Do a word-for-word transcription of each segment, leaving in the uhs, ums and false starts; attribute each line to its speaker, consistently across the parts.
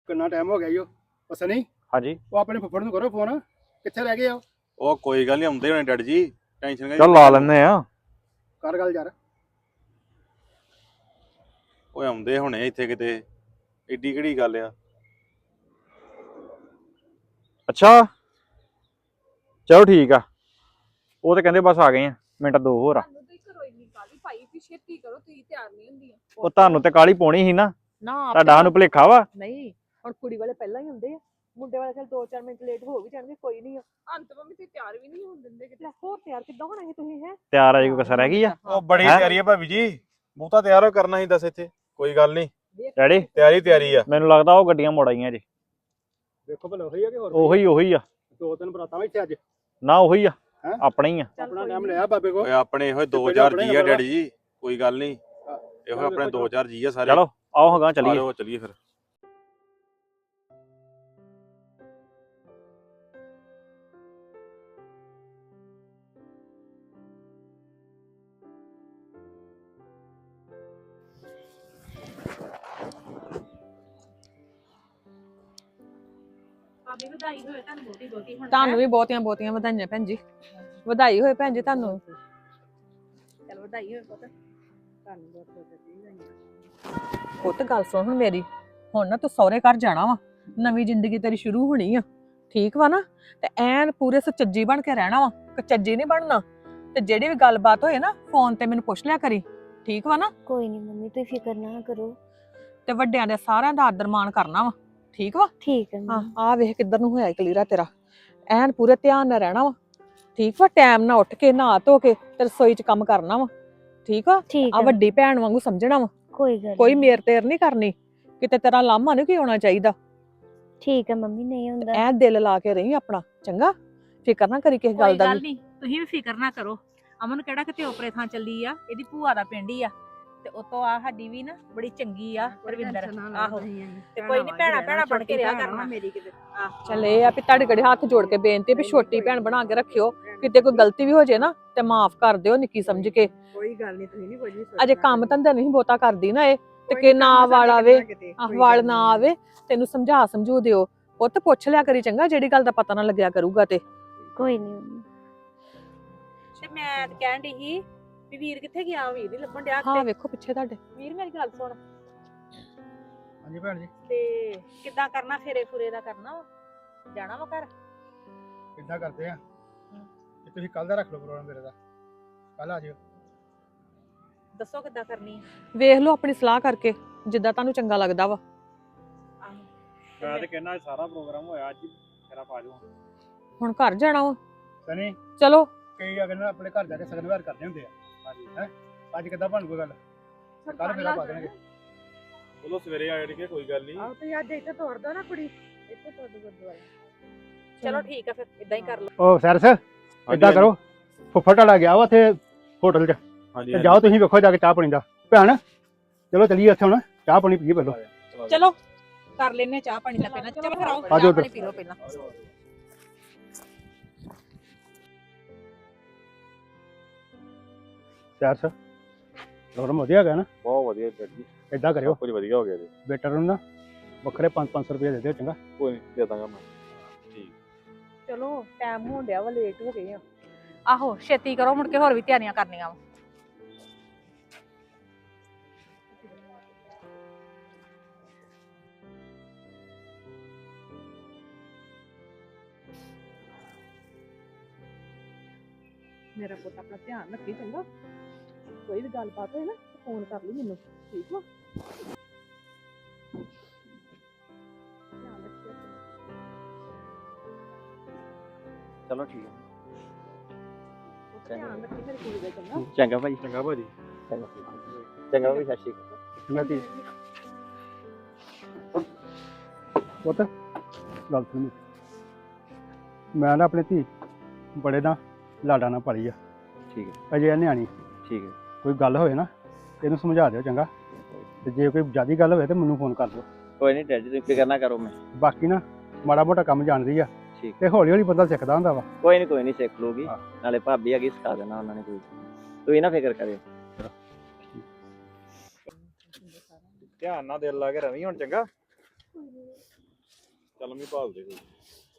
Speaker 1: ਕਿੰਨਾ ਟਾਈਮ ਹੋ ਗਿਆ ਈ ਉਹ ਬਸ ਨਹੀਂ
Speaker 2: ਹਾਂਜੀ
Speaker 1: ਉਹ ਆਪਣੇ ਫੁੱਫੜ ਨੂੰ ਕਰੋ ਫੋਨ ਕਿੱਥੇ ਰਹਿ ਗਏ ਆ
Speaker 3: ਉਹ ਕੋਈ ਗੱਲ ਨਹੀਂ ਆਉਂਦੇ ਹੋਣੇ ਡੈਡ ਜੀ ਟੈਨਸ਼ਨ
Speaker 2: ਚੱਲ ਲਾ ਲੈਨੇ ਆ।
Speaker 1: ਕਰ ਗੱਲ ਯਾਰ
Speaker 3: ਓਏ ਆਉਂਦੇ ਹੋਣੇ ਇੱਥੇ ਕਿਤੇ ਏਡੀ ਕਿਹੜੀ ਗੱਲ ਆ।
Speaker 2: ਅੱਛਾ ਚਲੋ ਠੀਕ ਆ। ਉਹ ਤੇ ਕਹਿੰਦੇ ਬਸ ਆ ਗਏ ਆ ਮਿੰਟ ਦੋ ਹੋਰ ਆ।
Speaker 4: ਛੇਤੀ ਕਰੋ ਤੁਸੀਂ ਤਿਆਰ ਨਹੀਂ ਹੁੰਦੀਆਂ।
Speaker 2: ਉਹ ਤੁਹਾਨੂੰ ਤੇ ਕਾਲੀ ਪਾਉਣੀ ਸੀ ਨਾ
Speaker 4: ਨਾ
Speaker 2: ਤੁਹਾਡਾ ਨੂੰ ਭੁਲੇਖਾ ਵਾ।
Speaker 4: ਨਹੀਂ ਹੁਣ ਕੁੜੀ ਵਾਲੇ ਪਹਿਲਾਂ ਹੀ ਹੁੰਦੇ ਆ ਮੁੰਡੇ ਵਾਲੇ ਚਲ ਦੋ ਚਾਰ ਮਿੰਟ ਲੇਟ ਹੋ ਵੀ ਜਾਣਗੇ ਕੋਈ ਨਹੀਂ ਅੰਤ ਮੰਮੀ ਤੇ ਤਿਆਰ ਵੀ ਨਹੀਂ ਹੋਣ ਦਿੰਦੇ ਕਿਤੇ ਹੋਰ ਤਿਆਰ ਕਿੱਦਾਂ ਹੋਣਾ ਹੈ ਤੁਸੀਂ ਹੈ
Speaker 2: ਤਿਆਰ ਆ ਜੀ ਕੋਈ ਕਸਰ ਰਹਿ ਗਈ ਆ।
Speaker 3: ਉਹ ਬੜੀ ਤਿਆਰੀ ਆ ਭਾਬੀ ਜੀ ਬਹੁਤਾ ਤਿਆਰ ਹੋ ਕਰਨਾ ਸੀ ਦੱਸ ਇੱਥੇ ਕੋਈ ਗੱਲ ਨਹੀਂ
Speaker 2: ਡੈਡੀ
Speaker 3: ਤਿਆਰੀ ਤਿਆਰੀ ਆ।
Speaker 2: ਮੈਨੂੰ ਲੱਗਦਾ ਉਹ ਗੱਡੀਆਂ ਮੋੜ ਆਈਆਂ ਜੀ।
Speaker 1: ਦੇਖੋ ਭਲਾ ਉਹੀ ਆ ਕਿ ਹੋਰ
Speaker 2: ਉਹੀ ਉਹੀ ਆ
Speaker 1: ਦੋ ਤਿੰਨ ਬਰਾਤਾਂ ਇੱਥੇ ਅੱਜ
Speaker 2: ਨਾ ਉਹੀ ਆ
Speaker 1: ਹੈਂ?
Speaker 2: ਆਪਣੇ ਹੀ ਆ।
Speaker 1: ਆਪਣਾ ਟਾਈਮ ਲਿਆ ਬਾਬੇ ਕੋ
Speaker 3: ਓਏ ਆਪਣੇ ਇਹੋ ਦੋ ਚਾਰ ਜੀ ਆ ਡੈਡੀ ਜੀ ਕੋਈ ਗੱਲ ਨਹੀਂ ਇਹੋ ਆਪਣੇ ਦੋ ਚਾਰ ਜੀ ਆ ਸਾਰੇ।
Speaker 2: ਚਲੋ ਆਓ ਹਗਾ ਚੱਲੀਏ।
Speaker 3: ਚਲੋ ਚੱਲੀਏ ਫਿਰ।
Speaker 4: ਤੁਹਾਨੂੰ ਵੀ ਬਹੁਤੀਆਂ ਬਹੁਤੀਆਂ ਵਧਾਈਆਂ ਭੈਣ ਜੀ ਵਧਾਈ ਹੋਏ ਭੈਣ ਜੀ ਤੁਹਾਨੂੰ ਚਲ ਵਧਾਈ ਹੋਏ ਪੁੱਤ ਤੁਹਾਨੂੰ ਬਹੁਤ ਬਹੁਤ ਵਧਾਈਆਂ। ਪੁੱਤ ਗੱਲ ਸੁਣ ਹੁਣ ਮੇਰੀ ਹੁਣ ਨਾ ਤੂੰ ਸਹੁਰੇ ਘਰ ਜਾਣਾ ਵਾ ਨਵੀਂ ਜ਼ਿੰਦਗੀ ਤੇਰੀ ਸ਼ੁਰੂ ਹੋਣੀ ਆ ਠੀਕ ਵਾ ਨਾ ਤੇ ਐਨ ਪੂਰੇ ਸੁਚੱਜੀ ਬਣ ਕੇ ਰਹਿਣਾ ਵਾ ਕਚੱਜੀ ਨਹੀਂ ਬਣਨਾ ਤੇ ਜਿਹੜੀ ਵੀ ਗੱਲਬਾਤ ਹੋਏ ਨਾ ਫੋਨ ਤੇ ਮੈਨੂੰ ਪੁੱਛ ਲਿਆ ਕਰੀ ਠੀਕ ਵਾ ਨਾ।
Speaker 5: ਕੋਈ ਨਹੀਂ ਮੰਮੀ ਤੁਸੀਂ ਫਿਕਰ ਨਾ ਕਰੋ
Speaker 4: ਤੇ ਵੱਡਿਆਂ ਦੇ ਸਾਰਿਆਂ ਦਾ ਆਦਰ ਮਾਣ ਕਰਨਾ ਵਾ ਠੀਕ ਵਾ।
Speaker 5: ਠੀਕ ਹੈ
Speaker 4: ਹਾਂ
Speaker 5: ਮੰਮੀ
Speaker 4: ਆ ਵੇਖ ਕਿੱਧਰ ਨੂੰ ਹੋਇਆ ਕਲੀਰਾ ਤੇਰਾ ਐਨ ਪੂਰੇ ਧਿਆਨ ਨਾਲ ਰਹਿਣਾ ਵਾ ਠੀਕ ਵਾ ਟਾਈਮ ਨਾਲ ਉੱਠ ਕੇ ਨਹਾ ਧੋ ਕੇ ਤੇ ਰਸੋਈ 'ਚ ਕੰਮ ਕਰਨਾ ਵਾ ਠੀਕ ਵਾ।
Speaker 5: ਠੀਕ
Speaker 4: ਆ
Speaker 5: ਹੈ
Speaker 4: ਵੱਡੀ ਭੈਣ ਵਾਂਗੂ ਸਮਝਣਾ ਵਾ
Speaker 5: ਕੋਈ ਗੱਲ
Speaker 4: ਕੋਈ
Speaker 5: ਨੀ।
Speaker 4: ਮੇਰ ਤੇਰ ਨਹੀਂ ਕਰਨੀ ਕਿਤੇ ਤੇਰਾ ਲਾਮਾ ਨਹੀਂ ਕੀ ਹੋਣਾ ਚਾਹੀਦਾ
Speaker 5: ਠੀਕ ਹੈ ਮੰਮੀ ਨਹੀਂ ਹੁੰਦਾ
Speaker 4: ਐ ਦਿਲ ਲਾ ਕੇ ਰਹੀ ਆਪਣਾ ਚੰਗਾ ਫਿਕਰ ਨਾ ਕਰੀ ਕਿਸੇ ਗੱਲ ਦਾ ਵੀ।
Speaker 6: ਨਹੀਂ ਤੁਸੀਂ ਵੀ ਫਿਕਰ ਨਾ ਕਰੋ ਅਮਨ ਕਿਹੜਾ ਕਿਤੇ ਓਪਰੇ ਥਾਂ ਚੱਲੀ ਆ ਇਹਦੀ ਭੂਆ ਦਾ ਪਿੰਡ ਹੀ ਆ ਤੇ ਉਤੋਂ ਆ ਸਾਡੀ ਵੀ ਨਾ ਬੜੀ ਚੰਗੀ ਆ ਰਵਿੰਦਰ ਆਹੋ ਤੇ ਕੋਈ ਨਹੀਂ ਭੈਣਾ ਭੈਣਾ ਬਣ ਕੇ ਰਿਹਾ ਕਰਨਾ ਮੇਰੀ ਕਿਤੇ
Speaker 4: ਚੱਲ ਇਹ ਆ ਵੀ ਤੁਹਾਡੇ ਗੜੇ ਹੱਥ ਜੋੜ ਕੇ ਬੇਨਤੀ ਵੀ ਛੋਟੀ ਭੈਣ ਬਣਾ ਕੇ ਰੱਖਿਓ ਕਿਤੇ ਕੋਈ ਗਲਤੀ ਵੀ ਹੋ ਜੇ ਨਾ ਤੇ ਮਾਫ ਕਰ ਦਿਓ ਨਿੱਕੀ ਸਮਝ ਕੇ।
Speaker 7: ਕੋਈ ਗੱਲ ਨਹੀਂ ਤੁਸੀਂ ਨਹੀਂ ਕੁਝ ਵੀ
Speaker 4: ਅਜੇ ਕੰਮ ਧੰਦਾ ਨਹੀਂ ਬਹੁਤਾ ਕਰਦੀ ਨਾ ਇਹ ਤੇ ਕਿ ਨਾ ਵਾਲ ਆਵੇ ਆਹ ਵਾਲ ਨਾ ਆਵੇ ਤੈਨੂੰ ਸਮਝਾ ਸਮਝੂ ਦਿਓ ਪੁੱਤ ਪੁੱਛ ਲਿਆ ਕਰੀ ਚੰਗਾ ਜਿਹੜੀ ਗੱਲ ਦਾ ਪਤਾ ਨਾ ਲੱਗਿਆ ਕਰੂਗਾ ਤੇ।
Speaker 5: ਕੋਈ ਨਹੀਂ ਮੰਮੀ
Speaker 6: ਤੇ ਮੈਂ ਕਹਿਣ ਡਈ ਸੀ ਵੀ ਵੀਰ ਕਿੱਥੇ ਗਿਆ ਵੀਰ ਨਹੀਂ ਲੱਭਣ ਡਿਆ
Speaker 4: ਹਾਂ
Speaker 6: ਕਿਤੇ
Speaker 4: ਵੇਖੋ ਪਿੱਛੇ ਤੁਹਾਡੇ
Speaker 6: ਵੀਰ ਮੇਰੀ ਗੱਲ ਸੁਣ
Speaker 1: ਹਾਂਜੀ ਭੈਣ ਜੀ
Speaker 6: ਤੇ ਕਿੱਦਾਂ ਕਰਨਾ ਫੇਰੇ ਫੁਰੇ ਦਾ ਕਰਨਾ ਵਾ ਜਾਣਾ ਵਾ ਘਰ
Speaker 1: ਕਿੱਦਾਂ ਕਰਦੇ ਆ ਕਿ ਤੁਸੀਂ ਕੱਲ ਦਾ ਰੱਖ ਲਓ ਪ੍ਰੋਗਰਾਮ ਮੇਰੇ ਦਾ ਕੱਲ ਆ ਜਿਓ।
Speaker 6: ਦੱਸੋ ਕਿੱਦਾਂ ਕਰਨੀ ਆ
Speaker 4: ਵੇਖ ਲਓ ਆਪਣੀ ਸਲਾਹ ਕਰਕੇ ਜਿੱਦਾਂ ਤੁਹਾਨੂੰ ਚੰਗਾ ਲੱਗਦਾ ਵਾ।
Speaker 6: ਆਹੋ
Speaker 2: ਮੈਂ ਤੇ ਕਹਿੰਦਾ ਸਾਰਾ ਪ੍ਰੋਗਰਾਮ ਹੋਇਆ ਅੱਜ ਤੇਰਾ ਪਾ ਜਾਓ।
Speaker 4: ਹੁਣ ਘਰ ਜਾਣਾ ਵਾ
Speaker 1: ਸਨੀ
Speaker 4: ਚਲੋ
Speaker 1: ਕਈ ਆ ਕਹਿੰਦਾ ਆਪਣੇ ਘਰ ਜਾ ਕੇ ਸਗਨ ਵਿਹਾਰ ਕਰਦੇ ਹੁੰਦੇ ਆ ਹਾਂਜੀ ਹੈ ਅੱਜ ਕਿੱਦਾਂ ਬਣ ਕੋਈ ਗੱਲ ਕੱਲ ਫੇਰਾ ਪਾ ਦੇਣਗੇ।
Speaker 3: ਚਲੋ ਸਵੇਰੇ ਆ ਜਾਣਗੇ ਕੋਈ ਗੱਲ ਨਹੀਂ।
Speaker 7: ਆਹ ਤੇ ਅੱਜ ਇੱਥੇ ਤੋੜ ਦੋ ਨਾ ਕੁੜੀ ਇੱਥੇ ਤੋੜ ਦੋ ਗੁਰਦੁਆਰਾ
Speaker 6: ਚਲੋ ਠੀਕ ਆ ਫਿਰ ਇਦਾਂ ਹੀ ਕਰ ਲਓ।
Speaker 1: ਉਹ ਸੈਰਸ ਏਦਾਂ ਕਰੋ ਫੁੱਫੜ ਤੁਹਾਡਾ ਗਿਆ ਵਾ ਉੱਥੇ ਹੋਟਲ 'ਚ
Speaker 3: ਹਾਂਜੀ
Speaker 1: ਤੇ ਜਾਓ ਤੁਸੀਂ ਵੇਖੋ ਜਾ ਕੇ ਚਾਹ ਪਾਣੀ ਦਾ ਭੈਣ ਚਲੋ ਚੱਲੀਏ ਉੱਥੇ ਹੁਣ ਚਾਹ ਪਾਣੀ ਪੀਏ ਪਹਿਲਾਂ।
Speaker 6: ਚਲੋ ਕਰ ਲੈਨੇ ਚਾਹ ਪਾਣੀ ਦਾ ਪਹਿਲਾਂ ਚਲੋ ਫਿਰ ਆਓ
Speaker 1: ਆ ਜਾਓ
Speaker 6: ਚਾਹ
Speaker 1: ਉੱਧਰ।
Speaker 6: ਪਾਣੀ ਪੀ ਲਓ ਪਹਿਲਾਂ।
Speaker 1: ਸੈਰਸ ਪ੍ਰੋਗਰਾਮ ਵਧੀਆ ਗਿਆ ਨਾ
Speaker 3: ਬਹੁਤ ਵਧੀਆ ਡੈਡ ਜੀ
Speaker 1: ਏਦਾਂ ਕਰਿਓ
Speaker 3: ਕੁਝ ਵਧੀਆ ਹੋ ਗਿਆ ਜੀ।
Speaker 1: ਵੇਟਰ ਨੂੰ ਨਾ ਵੱਖਰੇ ਪੰਜ ਪੰਜ ਸੌ ਰੁਪਏ ਦੇ ਦਿਓ ਚੰਗਾ।
Speaker 3: ਕੋਈ ਨਹੀਂ ਦੇ ਦਾਂਗਾ ਮੈਂ।
Speaker 4: ਚਲੋ ਟਾਈਮ ਹੋਣ ਡਿਆ ਵਾ ਲੇਟ ਹੋ ਗਏ ਆ।
Speaker 6: ਆਹੋ ਛੇਤੀ ਕਰੋ ਮੁੜ ਕੇ ਹੋਰ ਵੀ ਤਿਆਰੀਆਂ ਕਰਨੀਆਂ ਵਾ।
Speaker 4: ਮੇਰਾ ਪੁੱਤ ਆਪਣਾ ਧਿਆਨ ਰੱਖੀ ਚੰਗਾ ਕੋਈ ਵੀ ਗੱਲਬਾਤ ਹੋਏ ਨਾ ਫੋਨ ਕਰ ਲਈ ਮੈਨੂੰ ਠੀਕ ਵਾ। ਧਿਆਨ ਰੱਖਿਓ
Speaker 2: ਚਲੋ ਠੀਕ ਹੈ
Speaker 4: ਧਿਆਨ ਰੱਖੀ ਮੇਰੀ ਕੁੜੀ ਦਾ ਚੰਗਾ।
Speaker 2: ਚੰਗਾ ਭਾਈ
Speaker 3: ਚੰਗਾ ਭਾਜੀ
Speaker 2: ਚੰਗਾ ਭਾਈ ਸਤਿ ਸ਼੍ਰੀ ਅਕਾਲ।
Speaker 1: ਚੰਗਾ ਧੀ ਪੁੱਤ ਗੱਲ ਸੁਣ ਮੈਂ ਨਾ ਆਪਣੇ ਧੀ ਬੜੇ ਨਾ ਲਾਡਾ ਨਾਲ ਪਲੀ ਆ
Speaker 2: ਠੀਕ ਹੈ
Speaker 1: ਅਜੇ ਇਹ ਨਿਆਣੀ
Speaker 2: ਠੀਕ ਹੈ
Speaker 1: ਕੋਈ ਗੱਲ ਹੋਵੇ ਨਾ ਇਹਨੂੰ ਸਮਝਾ ਦਿਓ ਚੰਗਾ ਤੇ ਜੇ ਕੋਈ ਜ਼ਿਆਦਾ ਗੱਲ ਹੋਵੇ ਤੇ ਮੈਨੂੰ ਫੋਨ ਕਰ ਦਿਓ।
Speaker 2: ਕੋਈ ਨਹੀਂ ਡੈਡੀ ਤੁਸੀਂ ਫਿਕਰ ਨਾ ਕਰੋ। ਮੈਂ
Speaker 1: ਬਾਕੀ ਨਾ ਮਾੜਾ ਮੋਟਾ ਕੰਮ ਜਾਣਦੀ ਆ
Speaker 2: ਠੀਕ
Speaker 1: ਤੇ ਹੌਲੀ ਹੌਲੀ ਬੰਦਾ ਸਿੱਖਦਾ ਹੁੰਦਾ ਵਾ।
Speaker 2: ਕੋਈ ਨਹੀਂ ਕੋਈ ਨਹੀਂ ਸਿੱਖ ਲੂਗੀ
Speaker 1: ਹਾਂ।
Speaker 2: ਨਾਲੇ ਭਾਬੀ ਹੈਗੀ ਸਿਖਾ ਦੇਣਾ ਉਹਨਾਂ ਨੇ ਕੋਈ ਤੁਸੀਂ ਨਾ ਫਿਕਰ ਕਰਿਓ।
Speaker 3: ਧਿਆਨ ਨਾਲ ਦਿਲ ਲਾ ਕੇ ਰਵੀ ਹੁਣ ਚੰਗਾ। ਚੱਲ ਮੈਂ ਭਾਲ ਦੇ ਕੋਈ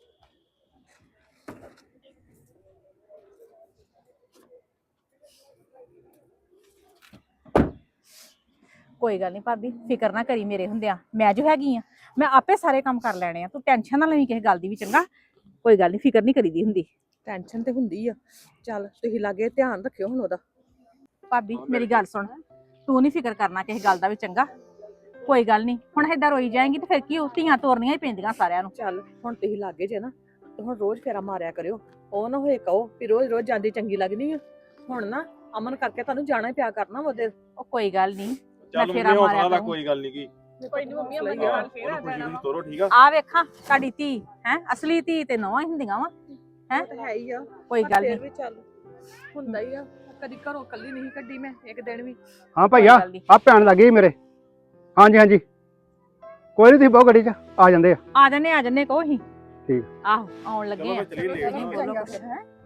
Speaker 6: ਕੋਈ ਗੱਲ ਨਹੀਂ ਭਾਬੀ, ਫਿਕਰ ਨਾ ਕਰੀ ਮੇਰੇ ਹੁੰਦਿਆਂ, ਮੈਂ ਜੋ ਹੈਗੀ ਆ ਮੈਂ ਆਪੇ ਸਾਰੇ ਕੰਮ ਕਰ ਲੈਣੇ ਆ, ਤੂੰ ਟੈਨਸ਼ਨ ਨਾ ਲਵੀਂ ਕਿਸੇ ਗੱਲ ਦੀ ਵੀ, ਚੰਗਾ? ਕੋਈ ਗੱਲ ਨਹੀਂ, ਫਿਕਰ ਨਹੀਂ ਕਰੀਦੀ ਹੁੰਦੀ।
Speaker 4: ਟੈਨਸ਼ਨ ਤੇ ਹੁੰਦੀ ਆ, ਚੱਲ ਤੁਸੀਂ ਲਾਗੇ ਧਿਆਨ ਰੱਖਿਓ ਹੁਣ ਉਹਦਾ।
Speaker 6: ਭਾਬੀ ਮੇਰੀ ਗੱਲ ਸੁਣ, ਤੂੰ ਨਹੀਂ ਫਿਕਰ ਕਰਨਾ ਕਿਸੇ ਗੱਲ ਦਾ ਵੀ, ਚੰਗਾ? ਕੋਈ ਗੱਲ ਨਹੀਂ, ਹੁਣ ਏਦਾਂ ਰੋਈ ਜਾਏਂਗੀ ਤੇ ਫਿਰ ਕੀ ਹੋ, ਧੀਆਂ ਤੋਰਨੀਆਂ ਹੀ ਪੈਂਦੀਆਂ ਸਾਰਿਆਂ ਨੂੰ।
Speaker 4: ਚੱਲ ਹੁਣ ਤੁਸੀਂ ਲਾਗੇ ਜੇ ਨਾ, ਤੇ ਹੁਣ ਰੋਜ਼ ਫੇਰਾ ਮਾਰਿਆ ਕਰਿਓ। ਉਹ ਨਾ ਹੋਏ ਕਹੋ ਵੀ ਰੋਜ਼ ਰੋਜ਼ ਜਾਂਦੀ ਚੰਗੀ ਲੱਗਦੀ ਆ। ਹੁਣ ਨਾ ਅਮਨ ਕਰਕੇ ਤੁਹਾਨੂੰ ਜਾਣਾ ਹੀ ਪਿਆ ਕਰਨਾ ਉਹਦੇ।
Speaker 6: ਉਹ ਕੋਈ ਗੱਲ ਨਹੀਂ,
Speaker 3: ਚੱਲ
Speaker 6: ਫੇਰਾ
Speaker 3: ਮੰਮੀ
Speaker 6: ਮਾਰਿਆ
Speaker 3: ਹੌਸਲਾ ਰੱਖ,
Speaker 6: ਕਰੂ।
Speaker 3: ਕੋਈ ਗੱਲ ਨਹੀਂ ਕੀ
Speaker 4: ਕੋਈ ਨਹੀਂ ਮੰਮੀ
Speaker 3: ਉਹਨੂੰ ਖੁਸ਼ੀ ਖੁਸ਼ੀ ਤੋਰੋ, ਠੀਕ ਆ?
Speaker 6: ਆ ਵੇਖਾਂ ਤੁਹਾਡੀ ਧੀ ਹੈ, ਅਸਲੀ ਧੀ ਤੇ ਨੌਵਾਂ ਹੀ ਹੁੰਦੀਆਂ ਵਾ। ਹੈਂ?
Speaker 4: ਉਹ ਤਾਂ ਹੈ ਹੀ ਆ,
Speaker 6: ਕੋਈ
Speaker 4: ਪਰ
Speaker 6: ਗੱਲ
Speaker 4: ਫਿਰ
Speaker 6: ਨਹੀਂ,
Speaker 4: ਵੀ ਚੱਲ ਹੁੰਦਾ ਹੀ ਆ। ਕਦੀ ਘਰੋਂ ਕੱਲੀ ਨਹੀਂ ਕੱਢੀ ਮੈਂ ਇੱਕ ਦਿਨ ਵੀ।
Speaker 1: ਹਾਂ ਭਈਆ,
Speaker 6: ਗੱਲ ਨੀ।
Speaker 1: ਆ ਭੈਣ ਲੱਗੀ ਸੀ ਮੇਰੇ। ਹਾਂਜੀ ਹਾਂਜੀ, ਕੋਈ ਨਹੀਂ, ਤੁਸੀਂ ਬਹੁਤ ਗੱਡੀ 'ਚ ਆ ਜਾਂਦੇ ਆ।
Speaker 6: ਆ ਜੰਨੇ ਆ ਜੰਨੇ ਕਹੋ ਹੀ।
Speaker 1: ਠੀਕ।
Speaker 6: ਆਹੋ ਆਉਣ ਲੱਗੇ
Speaker 3: ਚਲੋ
Speaker 6: ਆ।
Speaker 3: ਫਿਰ ਚਲੀਏ, ਲੇਟ ਨਾ ਹੋਈਏ।
Speaker 6: ਬੋਲੋ ਕੁਛ।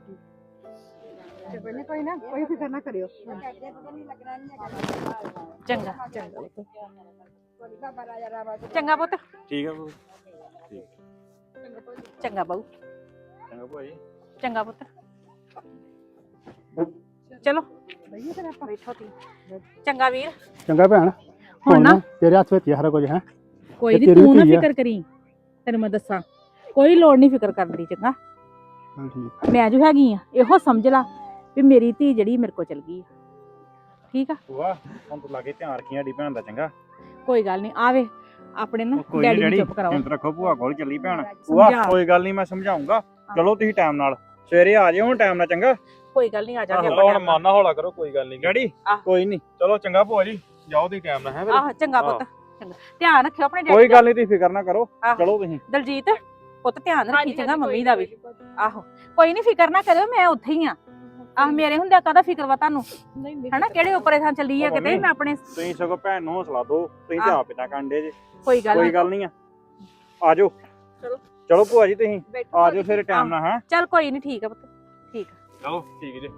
Speaker 7: ਪਹਿਲੇ ਕੋਈ ਨਾ ਕੋਈ ਫਿਕਰ ਨਾ ਕਰਿਓ।
Speaker 6: ਚੰਗਾ ਚੰਗਾ ਪੁੱਤ। ਚੰਗਾ ਪੁੱਤ,
Speaker 3: ਠੀਕ ਆ ਭਾਈ।
Speaker 6: ਚੰਗਾ ਬਾਊ,
Speaker 3: ਚੰਗਾ ਭਾਈ।
Speaker 6: ਚੰਗਾ ਪੁੱਤ। ਚਲੋ ਬੈਠੋ ਤੀ। ਚੰਗਾ ਵੀਰ।
Speaker 1: ਚੰਗਾ ਭੈਣ,
Speaker 6: ਹੁਣ ਨਾ
Speaker 1: ਤੇਰੇ ਹੱਥ ਵਿੱਚ ਹੀ ਆ ਸਾਰਾ ਕੁਝ ਹੈ।
Speaker 6: ਕੋਈ
Speaker 1: ਤੇ
Speaker 6: ਨਹੀਂ,
Speaker 1: ਤੇਰੀ
Speaker 6: ਤੂੰ ਨਾ
Speaker 1: ਧੀ ਆ।
Speaker 6: ਫਿਕਰ ਕਰੀ, ਤੈਨੂੰ ਮੈਂ ਦੱਸਾਂ ਕੋਈ ਲੋੜ ਨਹੀਂ ਫਿਕਰ ਕਰਨ ਦੀ, ਚੰਗਾ?
Speaker 1: ਹਾਂ ਠੀਕ।
Speaker 6: ਮੈਂ ਜੋ ਹੈਗੀ ਆ ਇਹੋ ਸਮਝ ਲਾ ਵੀ ਮੇਰੀ ਧੀ ਜਿਹੜੀ ਮੇਰੇ ਕੋਲ ਚਲ ਗਈ ਆ, ਠੀਕ ਆ?
Speaker 2: ਭੂਆ ਹੁਣ ਤੂੰ ਲਾਗੇ ਧਿਆਨ ਰੱਖੀ ਸਾਡੀ ਭੈਣ ਦਾ, ਚੰਗਾ?
Speaker 6: ਕੋਈ ਗੱਲ ਨਹੀਂ, ਆਵੇ ਆਪਣੇ ਨਾ
Speaker 2: ਕੋਈ ਨਹੀਂ
Speaker 6: ਡੈਡੀ ਨੂੰ
Speaker 2: ਡੈਡੀ,
Speaker 6: ਚੁੱਪ ਕਰਾਓ।
Speaker 2: ਹਿੰਮਤ ਰੱਖੋ, ਭੂਆ ਕੋਲ ਚੱਲੀ ਭੈਣ। ਭੂਆ
Speaker 6: ਸਮਝਾ।
Speaker 2: ਕੋਈ ਗੱਲ ਨਹੀਂ, ਮੈਂ ਸਮਝਾਉਂਗਾ। ਚਲੋ ਤੁਸੀਂ ਟਾਈਮ ਨਾਲ ਸਵੇਰੇ ਆ ਜਿਓ, ਹੁਣ ਟਾਈਮ ਨਾਲ, ਚੰਗਾ?
Speaker 6: ਕੋਈ ਗੱਲ ਨਹੀਂ, ਆ ਜਾਗੇ
Speaker 3: ਚਲੋ ਹੁਣ ਮਨ ਨਾ ਹੌਲਾ ਕਰੋ, ਕੋਈ ਗੱਲ ਨਹੀਂ।
Speaker 2: ਡੈਡੀ
Speaker 6: ਆਹ।
Speaker 2: ਕੋਈ ਨਹੀਂ,
Speaker 3: ਚਲੋ ਚੰਗਾ ਭੂਆ ਜੀ, ਜਾਓ ਤੁਸੀਂ ਟਾਈਮ ਨਾਲ, ਹੈ ਫਿਰ?
Speaker 6: ਆਹ ਚੰਗਾ ਪੁੱਤ, ਚੰਗਾ ਧਿਆਨ ਰੱਖਿਓ ਆਪਣੇ
Speaker 2: ਕੋਈ
Speaker 6: ਡੈਡੀ ਦਾ।
Speaker 2: ਗੱਲ ਨਹੀਂ, ਤੁਸੀਂ ਫਿਕਰ ਨਾ ਕਰੋ।
Speaker 6: ਆਹ।
Speaker 2: ਚਲੋ ਤੁਸੀਂ।
Speaker 6: ਦਲਜੀਤ ਪੁੱਤ ਧਿਆਨ ਰੱਖੀ, ਚੰਗਾ? ਮੰਮੀ ਦਾ ਵੀ। ਆਹੋ ਕੋਈ ਨਹੀਂ, ਫਿਕਰ ਨਾ ਕਰਿਓ, ਮੈਂ ਉੱਥੇ ਹੀ ਆ। ਆਹ ਮੇਰੇ ਹੁੰਦਿਆਂ ਕਾਹਦਾ ਫਿਕਰ ਵਾ ਤੁਹਾਨੂੰ, ਹਨਾ? ਕਿਹੜੇ ਉੱਪਰੇ ਥਾਂ ਚੱਲੀ ਆ
Speaker 2: ਉਹ
Speaker 6: ਕਿਤੇ,
Speaker 2: ਮੰਮੀ,
Speaker 6: ਮੈਂ ਆਪਣੇ।
Speaker 2: ਤੁਸੀਂ ਸਗੋਂ ਭੈਣ ਨੂੰ ਹੌਸਲਾ ਦਿਓ, ਤੁਸੀਂ ਤੇ
Speaker 6: ਆਹ।
Speaker 2: ਆਪ ਇਦਾਂ ਕਾਂਡੇ ਜੇ।
Speaker 6: ਕੋਈ ਗੱਲ
Speaker 2: ਕੋਈ
Speaker 6: ਨਹੀਂ,
Speaker 2: ਗੱਲ ਨਹੀਂ ਆ, ਆ ਜਾਓ।
Speaker 6: ਚਲੋ।
Speaker 2: ਚਲੋ ਭੂਆ ਜੀ, ਤੁਸੀਂ
Speaker 6: ਬੈਠੋ
Speaker 2: ਆ ਜਾਓ ਫਿਰ ਟਾਈਮ ਨਾਲ, ਹੈ?
Speaker 6: ਚੱਲ ਕੋਈ ਨਹੀਂ, ਠੀਕ ਆ ਪੁੱਤ, ਠੀਕ ਆ।
Speaker 3: ਚਲੋ ਠੀਕ ਜੀ।